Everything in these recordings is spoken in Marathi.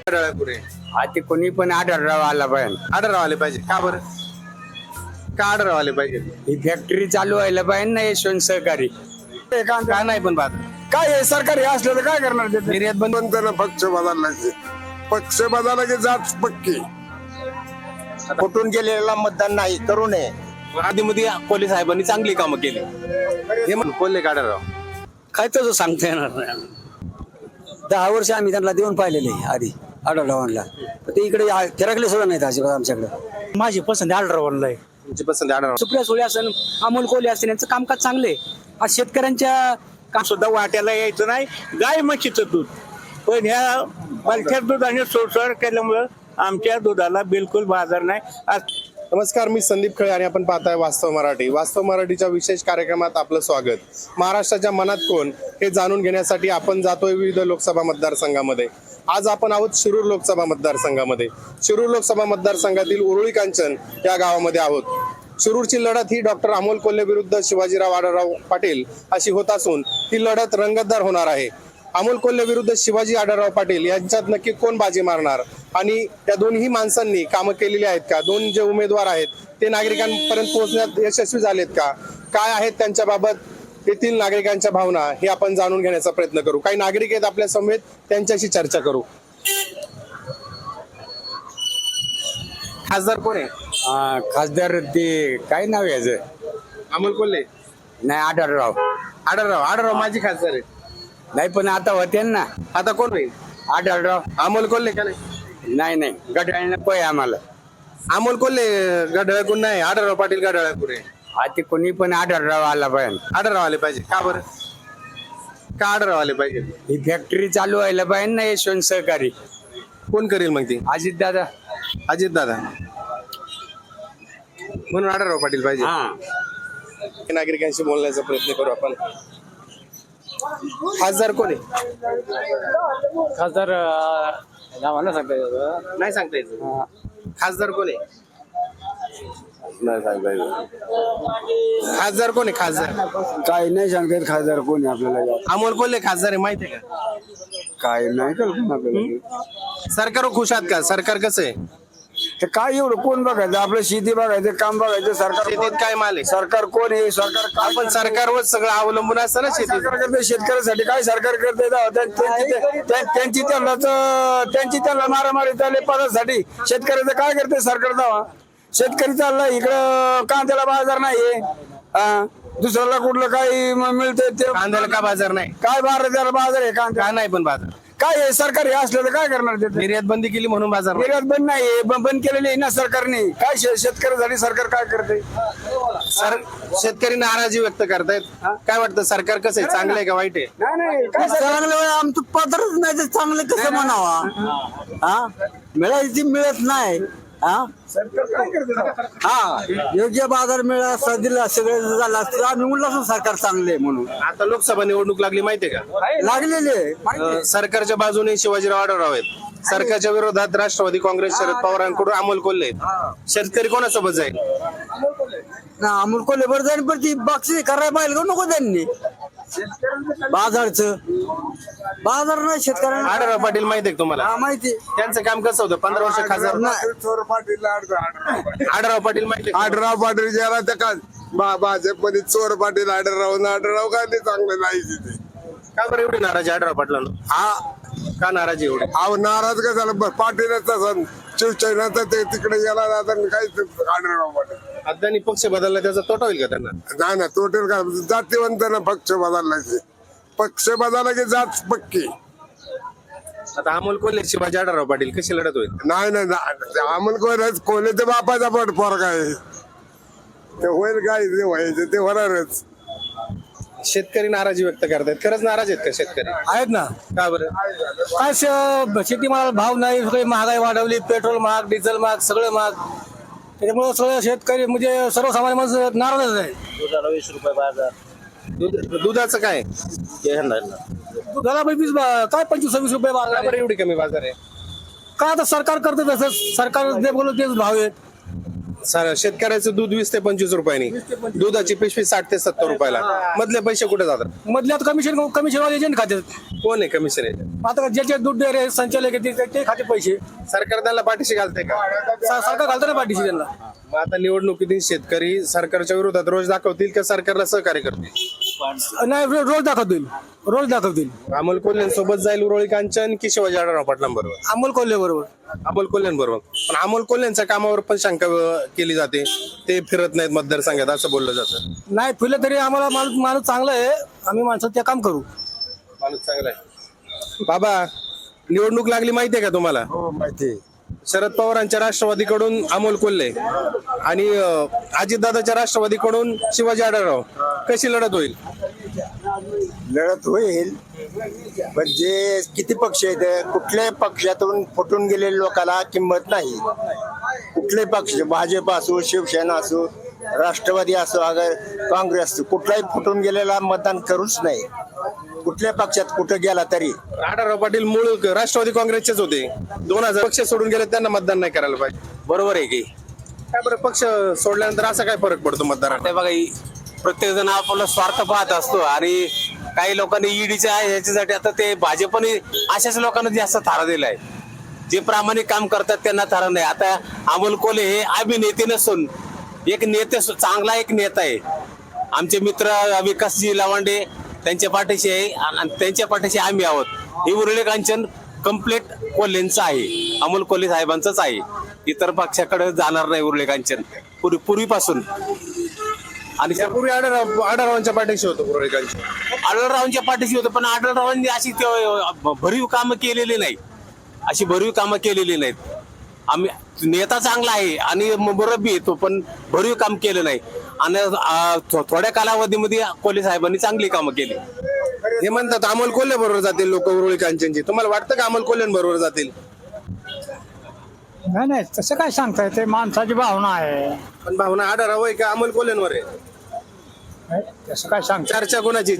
आढळपुरे आता कोणी पण आढळराव आला पाहिजे. आढळराव आले पाहिजे का बरं? का आढळराव आले पाहिजे? ही फॅक्टरी चालू व्हायला पाहिजे ना यशवंत सहकारी. का नाही पण बात काय आहे, सरकारी असलं तर काय करणार ते? निर्यात बंद ना पक्ष बदलला, पक्ष बदलला की जात पक्की. कुठून गेलेला मतदान नाही करू नये. आधी मध्ये पोलीस साहेबांनी चांगली कामं केली हे म्हणून बोलले का आढळराव? काय तसं सांगता येणार नाही. 10 वर्ष आम्ही त्यांना देऊन पाहिलेले आधी आढळरावांना, ते इकडे फिरकले सुद्धा नाहीत अजिबात आमच्याकडे. माझी पसंत आढळरावांना आहे. तुमची पसंत आढळराव. सुप्रिया सुळे असेल, अमोल कोल्हे असेल, यांचं कामकाज चांगले. आज शेतकऱ्यांच्या काम सुद्धा वाट्याला यायचं नाही, गाय म्हशीचं दूध. पण ह्या पालख्या दुधाने सोडसोड केल्यामुळं आमच्या दुधाला बिलकुल बाजार नाही. आज नमस्कार, मी संदीप खळे आणि आपण पाहताय वास्तव मराठी. वास्तव मराठीच्या विशेष कार्यक्रमात आपलं स्वागत. महाराष्ट्राच्या मनात कोण हे जाणून घेण्यासाठी आपण जातोय विविध लोकसभा मतदारसंघामध्ये. आज आपण आहोत शिरूर लोकसभा मतदारसंघामध्ये. शिरूर लोकसभा मतदारसंघातील उरुळी कांचन या गावामध्ये आहोत. शिरूरची लढत ही डॉक्टर अमोल कोल्हे विरुद्ध शिवाजीराव आढळराव पाटील अशी होत असून ही लढत रंगतदार होणार आहे. अमोल कोल्हे विरुद्ध शिवाजी आढळराव पाटील यांच्यात नक्की कोण बाजी मारणार आणि त्या दोन्ही माणसांनी कामं केलेली आहेत का? दोन जे उमेदवार आहेत ते नागरिकांपर्यंत पोहोचण्यात यशस्वी झालेत का? काय आहेत त्यांच्याबाबत येथील नागरिकांच्या भावना हे आपण जाणून घेण्याचा प्रयत्न करू. काही नागरिक आहेत आपल्या समेत, त्यांच्याशी चर्चा करू. खासदार कोण आहे? खासदार ते काय नाव याचं? अमोल कोल्हे नाही, आढळराव. आढळराव माझी खासदार आहे. नाही पण आता होते ना. आता कोण होईल? आढळराव. अमोल कोल्हे का नाही? नाही गटाळ नको आहे आम्हाला. अमोल कोल्हे गढळ कोण नाही, आढळराव पाटील गढळ पुरे. आता कोणी पण आढळराव आला पाहिजे. आढळराव आले पाहिजे का बरं? का आढळराव आले पाहिजे? ही फॅक्टरी चालू व्हायला पाहिजे ना यशवंत सहकारी. कोण करेल मग ती? अजित दादा. अजित दादा. म्हणून आढळराव पाटील पाहिजे. नागरिकांशी बोलण्याचा प्रयत्न करू आपण. खासदार कोण आहे? खासदार नाही सांगता येत. खासदार कोण आहे? नाही सांगता येत. खासदार कोण आहे? खासदार काय नाही सांगता येत. खासदार कोणी आपल्याला अमोल कोल्हे खासदार आहे माहिती आहे का? काय नाही कल्पना आपल्याला. सरकारवर खुश आहात का? सरकार कसं आहे? तर काय एवढं कोण बघायचं? आपलं शेती बघायचं, काम बघायचं. सरकार शेतीत काय माल आहे? सरकार कोण आहे? सरकार काय? आपण सरकारवर सगळं अवलंबून असतं ना. शेती सरकार करते शेतकऱ्यासाठी. काय सरकार करते? त्यांची त्यांना मारामारी चालली पदासाठी. शेतकऱ्याचं काय करते सरकार? दावा शेतकरी चाललाय इकडं, कांद्याला बाजार नाहीये. दुसऱ्याला कुठलं काही मिळतंय ते. कांद्याला का बाजार नाही? काय त्याला बाजार आहे कांदा? का नाही पण बाजार? काय आहे, सरकारी असलं तर काय करणार? ते निर्यात बंदी केली म्हणून बाजार नाही. निर्यात बंद नाहीये, बंद केलेली आहे ना सरकारने. काय शेतकऱ्यासाठी सरकार काय करते? शेतकरी नाराजी व्यक्त करतायत. काय वाटतं, सरकार कसं आहे? चांगलं आहे का वाईट आहे? नाही चांगलं आमचं पदरच नाही तर चांगलं कसं म्हणावा? मिळायची मिळत नाही. योग्य बाजार मिळाला दिला सगळं झालं असतं आम्ही म्हणलं असं सरकार चांगले म्हणून. आता लोकसभा निवडणूक लागली माहितीये का? लागलेले सरकारच्या बाजूने शिवाजीराव आढळराव आहेत, सरकारच्या विरोधात राष्ट्रवादी काँग्रेस शरद पवारांकडून अमोल कोल्हे आहेत. शेतकरी कोणासोबत जाईल? अमोल कोल्हे बरं जाईल, पण ती बक्षीस करायला पाहिजे का नको त्यांनी? बाजारचं बाजार नाही शेतकऱ्यांना. आढळराव पाटील माहितीये का तुम्हाला? माहिती. त्यांचं काम कसं होतं? 15 वर्ष खासदार चोर पाटील आढळराव पाटील माहिती आढळराव पाटील ज्याला त्या का भाजपमध्ये चोर पाटील आढळराव काय ते चांगलं नाही तिथे. का बरं एवढी नाराजी आढळराव पाटलांना? का नाराजी एवढी? अहो नाराज का झालं? पाटीलच तसं शिवसेनाचं ते तिकडे गेला काय आढळराव पाटील. आता त्यांनी पक्ष बदलला, त्याचा तोटा होईल का त्यांना? नाही ना टोटल का जातीवंत ना पक्ष बदलला. पक्ष बदलला की जात पक्की. आता अमोल कोल्हे शिवाजी आढळराव पाटील कशी लढत होईल? नाही अमोल कोल्हे ते बापाचा पट पोरगा आहे. ते होईल काय ते व्हायचं ते होणारच. शेतकरी नाराजी व्यक्त करतायत. खरंच नाराज आहेत का शेतकरी? आहेत ना. का बरं? काय शेतीमाला भाव नाही, सगळी महागाई वाढवली, पेट्रोल महाग, डिझेल महाग, सगळं महाग. त्याच्यामुळे सगळं शेतकरी म्हणजे सर्वसामान्य माणसं नाराजच आहे. दुधाला 20 रुपये बाजार. दुधाचं काय? दुधाला काय 25-26 रुपये का बाजार बरं एवढी कमी बाजार आहे? काय आता सरकार करतं तसं. सरकार जे बोलत तेच भाव आहेत. शेतकऱ्याचं दूध 20 ते 25 रुपयांनी, दुधाची पिशवी 60 ते 70 रुपयाला. मधले पैसे कुठे जातात? मधल्यात कमिशनवाले एजंट खात्यात. कोण आहे कमिशन एजंट? आता ज्याचे दूध डेअरी संचालक आहे ते खाते पैसे. सरकार त्यांना पाठीशी घालते का? सरकार घालतं ना पाठीशी त्यांना. मग आता निवडणुकीतील शेतकरी सरकारच्या विरोधात रोष दाखवतील का सरकारला सहकार्य करतील? नाही, रोज दाखवतील. अमोल कोल्ह्यांसोबत जाईल उरोळी कांचन की शिवाजी आढळराव पाटलांबरोबर? अमोल कोल्हे बरोबर. अमोल कोल्ह्यांबरोबर. पण अमोल कोल्ह्यांच्या कामावर पण शंका केली जाते, ते फिरत नाहीत मतदारसंघात असं बोललं जातं. नाही फिरलं तरी आम्हाला माणूस चांगला आहे, आम्ही माणसं ते काम करू. माणूस चांगला आहे. बाबा, निवडणूक लागली माहितीये का तुम्हाला? हो माहिती. शरद पवारांच्या राष्ट्रवादीकडून अमोल कोल्हे आणि अजितदादाच्या राष्ट्रवादीकडून शिवाजी आढळराव. कशी लढत होईल? लढत होईल, पण जे किती पक्ष आहेत, कुठल्याही पक्षातून फुटून गेलेल्या लोकांना किंमत नाही. कुठलेही पक्ष, भाजप असो, शिवसेना असो, राष्ट्रवादी असो, अगर काँग्रेस असो, कुठलाही फुटून गेलेला मतदान करूच नाही. कुठल्या पक्षात कुठं गेला तरी. आढळराव पाटील मूळ राष्ट्रवादी काँग्रेसचेच होते. 2000 पक्ष सोडून गेले, त्यांना मतदान नाही करायला पाहिजे. बरोबर आहे की? काय बरं, पक्ष सोडल्यानंतर असा काय फरक पडतो मतदारात? ते बघा, प्रत्येक जण आपला स्वार्थ पाहत असतो आणि काही लोकांनी ईडीच्या ह्याच्यासाठी आता ते भाजपने अशाच लोकांना जास्त थारा दिलाय. जे प्रामाणिक काम करतात त्यांना थारा नाही. आता अमोल कोल्हे हे अभिनेते नसून एक नेते, चांगला एक नेता आहे. आमचे मित्र विकासजी लावांडे त्यांच्या पाठीशी आहे आणि त्यांच्या पाठीशी आम्ही आहोत. हे उरळे कांचन कम्प्लीट कोल्हेंचं आहे, अमोल कोल्हे साहेबांचंच आहे. इतर पक्षाकडे जाणार नाही उरळे कांचन पूर्वीपासून. आणि त्यापूर्वी आढळरावांच्या पाठीशी होतो उरोळी कांचन. आढळरावांच्या पाठीशी होतं, पण आढळरावांनी अशी भरीव कामं केलेली नाही, अशी भरीव कामं केलेली नाहीत. आम्ही नेता चांगला आहे आणि मुरब्बी येतो, पण भरीव काम केलं नाही. आणि थोड्या कालावधीमध्ये कोल्हे साहेबांनी चांगली कामं केली. हे म्हणतात अमोल कोल्हे बरोबर जातील लोक उरोळी कांचनची. तुम्हाला वाटतं का अमोल कोल्ह्यांबरोबर जातील? नाही तसं काय सांगता येते, माणसाची भावना आहे. पण भावना आढळराव आहे का अमोल कोल्ह्यांवर आहे? तसं काय सांगता. चर्चा कोणाची?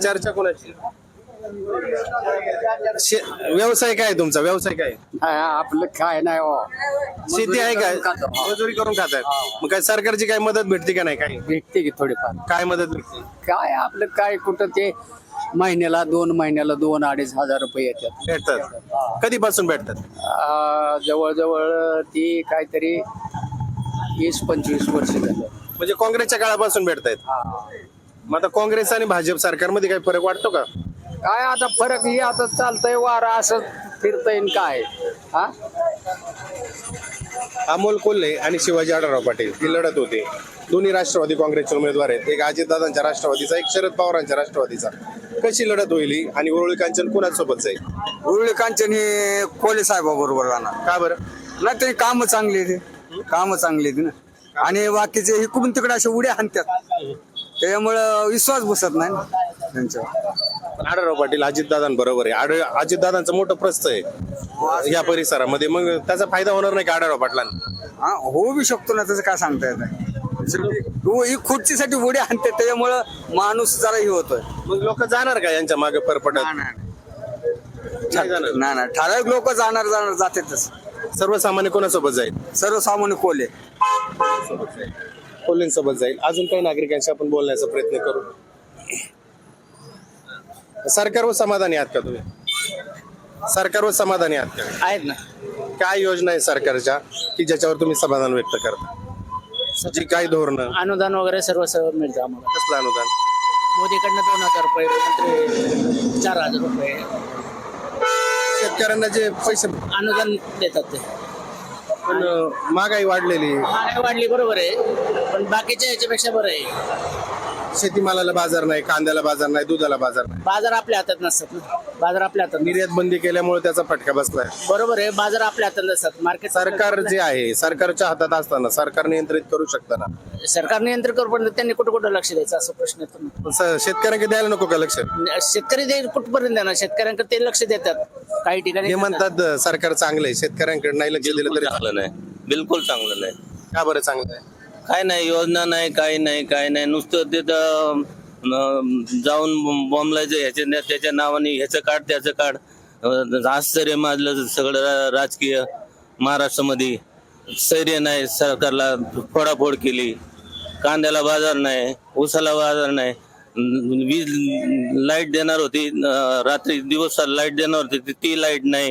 व्यवसाय काय तुमचा? व्यवसाय काय? आपलं काय नाही हो. शेती आहे काय? मजुरी करून खातात. मग काय सरकारची काय मदत भेटते का नाही? काही भेटते की थोडीफार. काय मदत भेटते? काय आपलं काय कुठं ते महिन्याला 2-2.5 हजार रुपये येतात. भेटतात. कधीपासून भेटतात? जवळजवळ ती काहीतरी 20-25 वर्ष झालं. म्हणजे काँग्रेसच्या काळापासून भेटतायत. मग आता काँग्रेस आणि भाजप सरकारमध्ये काही फरक वाटतो का? काय आता फरक हे आता चालतंय, वारा असं फिरतंय काय. हा, अमोल कोल्हे आणि शिवाजी आढळराव पाटील ही लढत होते. दोन्ही राष्ट्रवादी काँग्रेसचे उमेदवार आहेत. एक अजितदादांच्या राष्ट्रवादीचा, एक शरद पवारांच्या राष्ट्रवादीचा. कशी लढत होईल ही आणि उरोळी कांचन कोणासोबत जाईल? उरुळी कांचन हे कोल्हे साहेबाबरोबर राहणार. का बरं? नाही तरी कामं चांगली आहेत, कामं चांगली आहेत ना. आणि बाकीचे इकडून तिकडे असे उड्या हाणतात, त्यामुळं विश्वास बसत नाही ना त्यांच्यावर. आढळराव पाटील अजितदादांबरोबर आहे. अजितदादांचं मोठं प्रस्थ आहे या परिसरामध्ये. मग त्याचा फायदा होणार नाही का आढळराव पाटलांना? हा, होऊ बी शकतो ना, त्याचं काय सांगता येत नाही. ही खुर्चीसाठी उड्या हाणतात, त्याच्यामुळं माणूस जरा हे होतोय. मग लोक जाणार का यांच्या मागे परपटत? नाही जाणार. नाही ठराविक लोक जाणार जातातच. सर्वसामान्य कोणासोबत जाईल? सर्वसामान्य कोल्हे कोल्हेंसोबत जाईल. अजून काही नागरिकांशी आपण बोलण्याचा प्रयत्न करू. सरकारवर समाधानी आहात का तुम्ही? सरकारवर समाधानी आहात का? आहेत ना. काय योजना आहे सरकारच्या की ज्याच्यावर तुम्ही समाधान व्यक्त करता? जी काय धोरणं? अनुदान वगैरे सर्व मिळतं आम्हाला. कसलं अनुदान? मोदीकडनं 2000 रुपये, नंतर 4000 रुपये शेतकऱ्यांना जे पैसे अनुदान देतात ते. पण महागाई वाढलेली, महागाई वाढली बरोबर आहे, पण बाकीच्या ह्याच्यापेक्षा बरं आहे. शेतीमालाला बाजार नाही, कांद्याला बाजार नाही, दुधाला बाजार नाही. बाजार आपल्या हातात नसतात ना. बाजार आपल्या हातात निर्यात बंदी केल्यामुळे त्याचा फटका बसलाय. बरोबर आहे. बाजार आपल्या हातात नसतात. मार्केट सरकार जे आहे सरकारच्या हातात असताना सरकार नियंत्रित करू शकताना सरकार नियंत्रण करू, पण त्यांनी कुठं लक्ष द्यायचं असं प्रश्न येतो. शेतकऱ्यांकडे द्यायला नको का लक्ष? शेतकरी कुठपर्यंत देणार? शेतकऱ्यांकडे ते लक्ष देतात काही ठिकाणी. हे म्हणतात सरकार चांगलं आहे, शेतकऱ्यांकडे नाही लक्ष दिलं तरी चांगलं नाही, बिलकुल चांगलं नाही. का बरं चांगलं आहे? काय नाही, योजना नाही, काही नाही. नुसतं तिथं जाऊन बॉम्बलायचं ह्याच्या त्याच्या नावाने, ह्याचं काढ त्याचं काढ. आश्चर्य माजलं सगळं राजकीय महाराष्ट्रामध्ये. स्थैर्य नाही, सरकारला फोडाफोड केली, कांद्याला बाजार नाही, ऊसाला बाजार नाही, वीज लाईट देणार होती, रात्री दिवस लाईट देणार होती, ती लाईट नाही.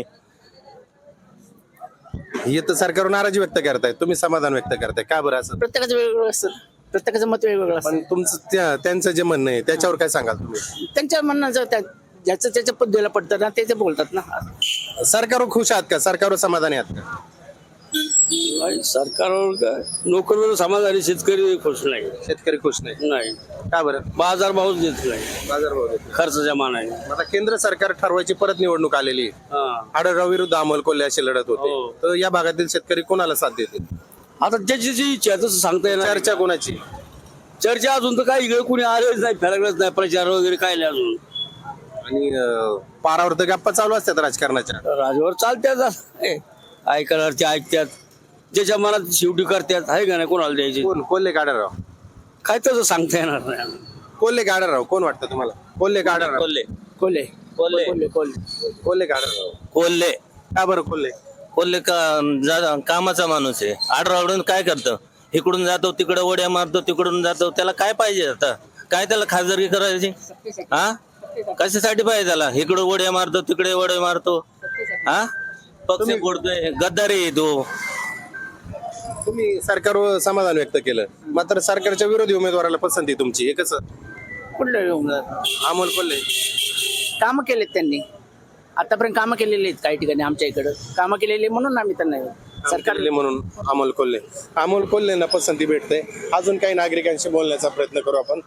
हे तर सरकारवर नाराजी व्यक्त करतायत, तुम्ही समाधान व्यक्त करताय, का बरं असं? प्रत्येकाचं वेगवेगळं असतं, प्रत्येकाचं मत वेगवेगळं असतं. पण तुमचं त्यांचं जे म्हणणं आहे त्याच्यावर काय सांगाल तुम्ही? त्यांच्या म्हणणं ज्याचं त्याच्या पद्धतीला पडतं ना ते बोलतात ना. सरकारवर खुश आहात का? सरकारवर समाधानी आहात का? सरकारवर काय नोकरीवर समाधानी, शेतकरी खुश नाही. शेतकरी खुश नाही, नाही, का बरं? बाजार भावच देत नाही बाजारभाव देत नाही. खर्चाच्या मानाने. आता केंद्र सरकार ठरवायची परत निवडणूक आलेली आहे. आढळराव विरुद्ध अमोल कोल्हे अशी लढत होते, तर या भागातील शेतकरी कोणाला साथ देतील? आता ज्याची जी इच्छा आहे तसं सांगता येणार. चर्चा कोणाची? चर्चा अजून तर काय इकडे कुणी आलेच नाही, फरकच नाही, प्रचार वगैरे काय नाही अजून. आणि पारावर तर गप्पा चालू असतात राजकारणाच्या. राजवर चालत्यात, ऐकणारचे ऐकतात, ज्याच्या मनात शेवटी करतात, आहे का नाही, कोणाला द्यायचे कोण? कोल्हे का आढळराव? काय तसं सांगता येणार नाही. कोल्हे का आढळराव? कोण वाटतं तुम्हाला? कोल्हे का आढळराव? कोल्हे कोल्हे कोल्हे कोल्हे का आढळराव? कोल्हे का बरं कोल्हे? कोल्हे कामाचा माणूस आहे. आडरावडून काय करतं, इकडून जातो तिकडे उड्या मारतो, तिकडून जातो, त्याला काय पाहिजे आता? काय त्याला खासदारकी करायची? हा, कशासाठी पाहिजे त्याला? इकडे उड्या मारतो, तिकडे उड्या मारतो, हा, पक्ष फोडतोय, गद्दारी आहे तो. तुम्ही सरकारवर समाधान व्यक्त केलं, मात्र सरकारच्या विरोधी उमेदवाराला पसंती तुमची, हे कसं? कुठलं अमोल कोल्हे कामं केलेत त्यांनी, आतापर्यंत कामं केलेली आहेत काही ठिकाणी आमच्या इकडं कामं केलेली म्हणून आम्ही त्यांना सरकार म्हणून अमोल कोल्हेंना पसंती भेटते. अजून काही नागरिकांशी बोलण्याचा प्रयत्न करू आपण.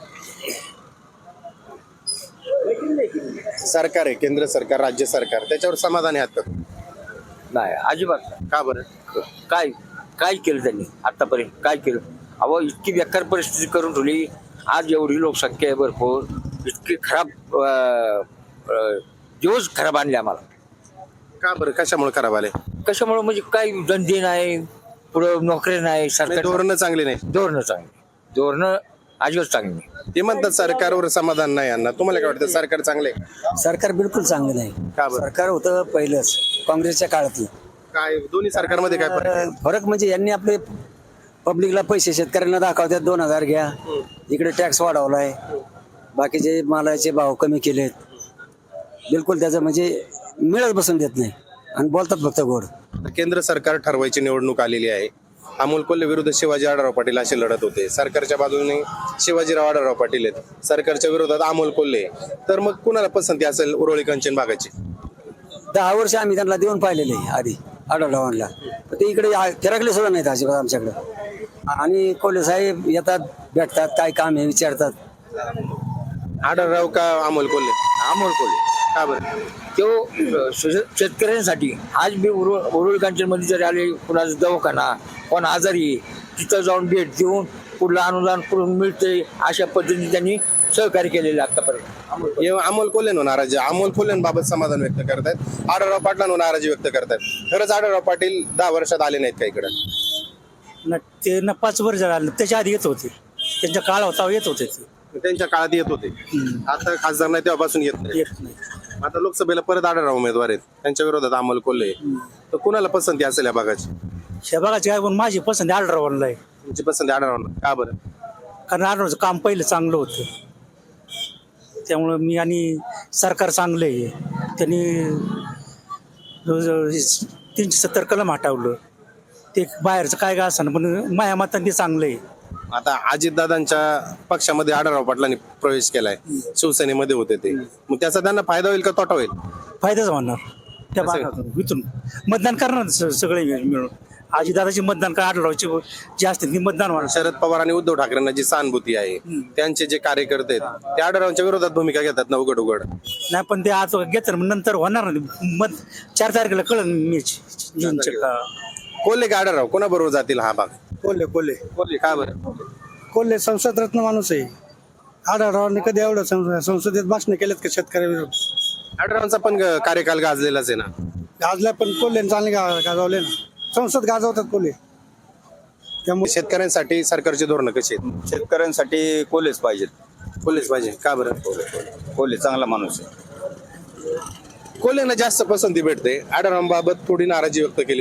सरकार आहे, केंद्र सरकार, राज्य सरकार, त्याच्यावर समाधानी आहात का? नाही, अजिबात. का बरं? काय काय केलं त्यांनी आतापर्यंत? काय केलं? अहो, इतकी बेकार परिस्थिती करून ठेवली. आज एवढी लोकसंख्या आहे भरपूर, इतकी खराब दिवस खराब आणले आम्हाला. का बरं? कशामुळे खराब आले? कशामुळे म्हणजे काही धंदे नाही, पुढं नोकरी नाही, सरकार धोरणं चांगली नाही. धोरणं चांगली, धोरणं अजिबात चांगली नाही. ते म्हणतात सरकारवर समाधान नाही यांना. तुम्हाला काय वाटतं? सरकार चांगले? सरकार बिलकुल चांगलं नाही. का बरं? सरकार होतं पहिलंच काँग्रेसच्या काळातलं. काय दोन्ही सरकारमध्ये काय फरक आहे? फरक म्हणजे यांनी आपले पब्लिकला पैसे शेतकऱ्यांना दाखवतात, 2000 घ्या, इकडे टॅक्स वाढवलाय, बाकीचे मालाचे भाव कमी केलेत. बिलकुल त्याचं म्हणजे मिळत बसून देत नाही आणि बोलतात फक्त गोड. केंद्र सरकार ठरवायची निवडणूक आलेली आहे. अमोल कोल्हे विरुद्ध शिवाजी आढळराव पाटील अशी लढत होते. सरकारच्या बाजूने शिवाजीराव आढळराव पाटील आहेत, सरकारच्या विरोधात अमोल कोल्हे. तर मग कुणाला पसंती असेल उरोळी कंचन भागाची? 10 वर्ष आम्ही त्यांना देऊन पाहिलेले आधी आढळरावांना, ते इकडे फिरकले सुद्धा नाहीत अजिबात आमच्याकडे. आणि कोल्हे साहेब येतात, भेटतात, काय काम आहे विचारतात. आढळराव का अमोल कोल्हे? अमोल कोल्हे. का बरं? तो शेतकऱ्यांसाठी आज मी उरुळी कांचनमध्ये जरी आले, कुणाचा दवाखाना, कोण आजारी, तिथं जाऊन भेट देऊन कुठलं अनुदान कुठून मिळते, अशा पद्धतीने त्यांनी सहकार्य केलेलं आतापर्यंत. अमोल कोल्हे नाराजी, अमोल कोल्हेंबाबत समाधान व्यक्त करतायत, आढळराव पाटलांवर नाराजी व्यक्त करतायत. खरंच आढळराव पाटील 10 वर्षात आले नाहीत का इकडे? ते 5 वर्ष झालं, त्याच्या आधी येत होते, त्यांच्या काळ होता येत होते ते. त्यांच्या काळात येत होते, आता खासदार नाही तेव्हापासून येत नाही. आता लोकसभेला परत आढळराव उमेदवार आहेत, त्यांच्या विरोधात अमोल कोल्हे. तर कुणाला पसंती असेल या भागाची? शहबागाची काय पण माझी पसंती आढळरावांना आहे. तुमची पसंती आढळरावांना, का बरं? कारण आढळरावचं काम पहिलं चांगलं होतं, त्यामुळं मी आणि सरकार चांगलं आहे. त्यांनी 370 कलम हटवलं, ते बाहेरचं काय का असं पण माझ्या मताने ते चांगलं आहे. आता अजितदादांच्या पक्षामध्ये आढळराव पाटलांनी प्रवेश केलाय, शिवसेनेमध्ये होते ते, मग त्याचा त्यांना फायदा होईल का तोटा होईल? फायदाच होणार. त्या भागातून इथून मतदान करणार सगळे मिळून. अजितदादाची मतदान का आढळरावची जे असते ती मतदान होणार. शरद पवार आणि उद्धव ठाकरेंना जी सहानुभूती आहे, त्यांचे जे कार्यकर्ते आहेत ते आढळरावांच्या विरोधात भूमिका घेतात ना उघड उघड. नाही पण ते आज घेतात नंतर होणार नाही. मत 4 तारखेला कळन मॅच जूनच्या का. कोल्हे का आढळराव कोणाबरोबर जातील हा भाग? कोल्हे कोल्हे का बरं? कोल्हे संसद रत्न माणूस आहे. आढळरावांनी कधी एवढं संसदेत भाषण केलेत का शेतकऱ्याविरोधात? आढळरावांचा पण कार्यकाल गाजलेलाच आहे ना. गाजल्या पण कोल्हे चांगले गाजवले ना, संसद गाजवतात कोल्हे. त्यामुळे शेतकऱ्यांसाठी सरकारची धोरणं कशी आहेत? शेतकऱ्यांसाठी कोल्हेच पाहिजेत. कोल्हेच पाहिजे, का बरं? कोल्हे चांगला माणूस आहे. कोल्हेंना जास्त पसंती भेटते, आढळरावांबाबत थोडी नाराजी व्यक्त केली जाते.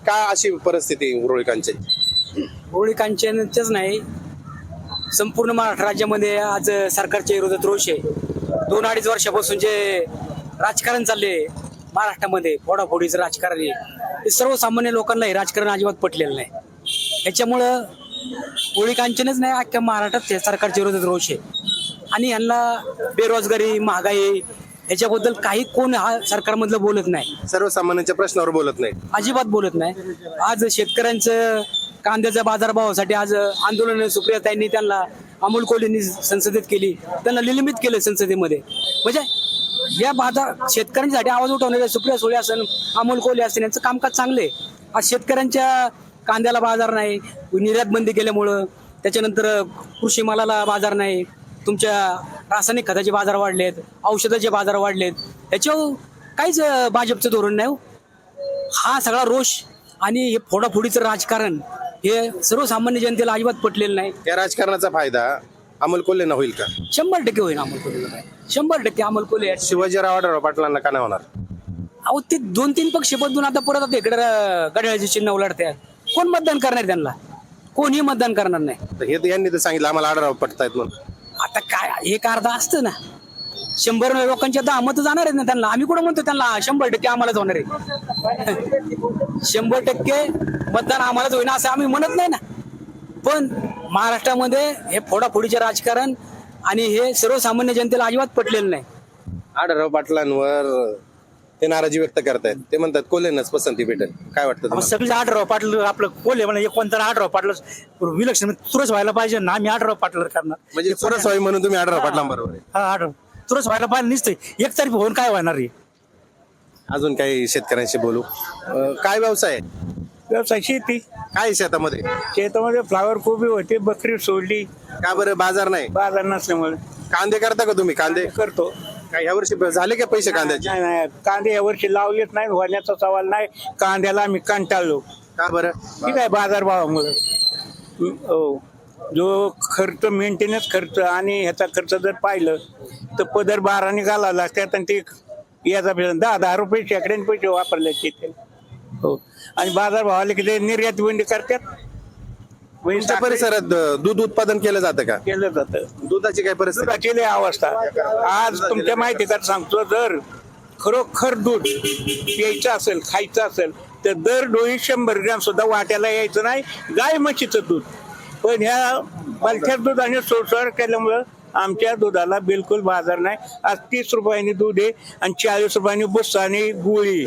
का अशी परिस्थिती उरुळी कांचन? होळी कांचनच नाही, संपूर्ण महाराष्ट्र राज्यामध्ये आज सरकारच्या विरोधात रोष आहे. 2-2.5 वर्षापासून जे राजकारण चालले महाराष्ट्रामध्ये, फोडाफोडीचं राजकारण आहे, ते सर्वसामान्य लोकांना हे राजकारण अजिबात पटलेलं नाही. याच्यामुळं होळी कांचनच नाही, अख्ख्या महाराष्ट्रात सरकारच्या विरोधात रोष आहे. आणि यांना बेरोजगारी, महागाई याच्याबद्दल काही कोण हा सरकारमधलं बोलत नाही, सर्वसामान्यांच्या प्रश्नावर बोलत नाही, अजिबात बोलत नाही. आज शेतकऱ्यांचं कांद्याच्या बाजारभावासाठी आज आंदोलन सुप्रियाताईंनी त्यांना अमोल कोल्हेंनी संसदेत केली, त्यांना निलंबित केलं संसदेमध्ये. म्हणजे या शेतकऱ्यांसाठी आवाज उठवणारे सुप्रिया सुळे असेल, अमोल कोल्हे असेल, यांचं कामकाज चांगले. आज शेतकऱ्यांच्या कांद्याला बाजार नाही, निर्यात बंदी केल्यामुळं, त्याच्यानंतर कृषी मालाला बाजार नाही, तुमच्या रासायनिक खताचे बाजार वाढलेत, औषधाचे बाजार वाढलेत, याच्यावर काहीच भाजपचं धोरण नाही. हा सगळा रोष आणि हे फोडाफोडीचं राजकारण हे सर्वसामान्य जनतेला अजिबात पटलेलं नाही. या राजकारणाचा फायदा अमोल कोल्हेंना होईल का? 100% होईल अमोल कोल्हे, 100% अमोल कोल्हे. शिवाजीराव आढळराव पाटलांना का नाही होणार? अहो ते 2-3 पक्ष बदलून आता परत आता इकडे घड्याळाचे चिन्ह उलटतात. कोण मतदान करणार त्यांना? कोणीही मतदान करणार नाही. तर हे यांनी तर सांगितलं आम्हाला आढळराव पटतायत म्हणून. आता काय एक अर्धा असतं ना, 100 लोकांच्या 10 मतं जाणार आहेत ना त्यांना. आम्ही कुठं म्हणतो त्यांना 100% आम्हालाच होणार आहे. 100% मतदान आम्हालाच होईना असं आम्ही म्हणत नाही ना. पण महाराष्ट्रामध्ये हे फोडाफोडीचे राजकारण आणि हे सर्वसामान्य जनतेला अजिबात पटलेलं नाही. आढळराव पाटलांवर ते नाराजी व्यक्त करतायत. ते म्हणतात कोल्हेंनाच पसंती भेटेल. काय वाटतं तुम्हाला? सगळे 8 पाटलं आपलं कोल्हे म्हणा, कोणता 8 पाटलं विलक्षण तुरच व्हायला पाहिजे ना. आम्ही 8 पाटलं करणार म्हणजे चुरस व्हावी म्हणून तुम्ही आढळराव पाटलांबरोबर आहे. हा 8 तुरच व्हायला पाहिजे निसते. एक तारीख होऊन काय होणार आहे? अजून काही शेतकऱ्यांशी बोलू. काय व्यवसाय आहे? व्यवसाय शेती. काय शेतामध्ये? शेतामध्ये फ्लावर कोबी होते, बकरी सोडली, का बरं बाजार नाही? बाजार नसल्यामुळे. कांदे करता का तुम्ही? कांदे करतो. काय ह्या वर्षी झाले का पैसे कांद्याचे? नाही, कांदे यावर्षी लावलेच नाही, होण्याचा सवाल नाही. कांद्याला आम्ही कंटाळलो. का बरं? ठीक आहे, बाजारभावामुळे. हो, जो खर्च मेंटेनन्स खर्च आणि ह्याचा खर्च जर पाहिलं तर पदर 12 घालावं लागतात आणि ते याचा 10-10 रुपये शेकड्याने पैसे वापरले तिथे. हो, आणि बाजारभावाला किती निर्यात बंदी करतात. तुमच्या परिसरात दूध उत्पादन केलं जातं का? केलं जातं. दुधाची काय परिस्थिती? दुधाची लय अवस्था. आज तुमच्या माहिती कर सांगतो, जर खरोखर दूध प्यायचं असेल, खायचं असेल तर दर डोळी 100 ग्रॅम सुद्धा वाट्याला यायचं नाही गाय म्हशीचं दूध. पण ह्या बलथ्या दुधाने सोडसोड केल्यामुळं आमच्या दुधाला बिलकुल बाजार नाही. आज 30 रुपयांनी दूध आहे आणि 40 रुपयांनी बुस्सा आणि गुळी.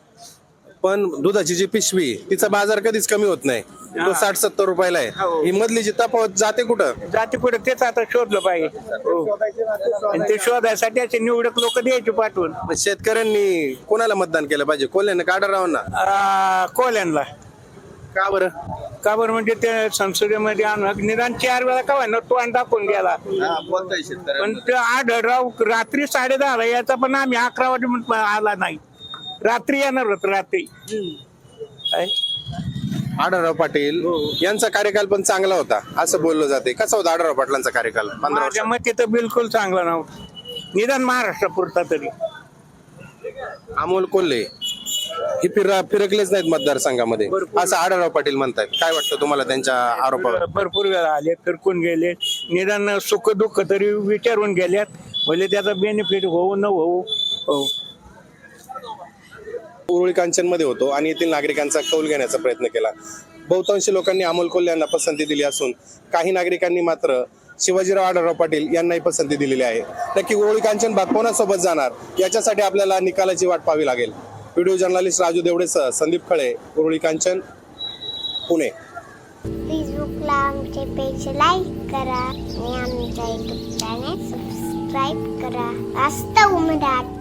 पण दुधाची जी पिशवी तिचा बाजार कधीच कमी होत नाही. तो 60-70 रुपयाला आहे. ही मधली जी तफावत जाते कुठं? जाते कुठे तेच आता शोधलं पाहिजे. हो. आणि ते शोधायसाठी असे निवडक लोक द्यायचे पाठवून. मग शेतकऱ्यांनी कोणाला मतदान केलं पाहिजे? कोल्ह्यांना का आढळरावांना? कोल्यांना. का बरं? का बरं म्हणजे ते संसदेमध्ये आणून निदान 4 वेळा का व्हायना तो आणि दाखवून गेला. पण ते आढळराव रात्री 10:30 याचा, पण आम्ही 11 वाजे आला नाही. रात्री येणार होत रात्री. आढळराव पाटील यांचा कार्यकाल पण चांगला होता असं बोललं जाते. कसा होता आढळराव पाटलांचा कार्यकाल? 15 वर्ष. माझ्या मते तर बिलकुल चांगला नव्हता, निदान महाराष्ट्रापुरता तरी. अमोल कोल्हे हे फिरकलेच नाहीत मतदारसंघामध्ये असं आढळराव पाटील म्हणतात. काय वाटतं तुम्हाला त्यांच्या आरोपावर? भरपूर वेळा आले, फिरकून गेले, निदान सुख दुःख तरी विचारून गेल्यात. म्हणजे त्याचा बेनिफिट होऊ न होऊ. हो, उरुळी कांचनमध्ये होतो आणि येथील नागरिकांचा कौल घेण्याचा प्रयत्न केला. बहुतांश लोकांनी अमोल कोल्हे यांना पसंती दिली असून काही नागरिकांनी मात्र शिवाजीराव आढळराव पाटील यांनाही पसंती दिलेली आहे. नक्की उरुळी कांचन भाग कोणासोबत जाणार याच्यासाठी आपल्याला निकालाची वाट पाहावी लागेल. व्हिडिओ जर्नलिस्ट राजू देवडेसह संदीप खळे, उरुळी कांचन, पुणे. फेसबुकला आमचे पेज लाईक करा आणि आमच्या युट्यूब चॅनेल सबस्क्राईब करा. वास्तव मराठी.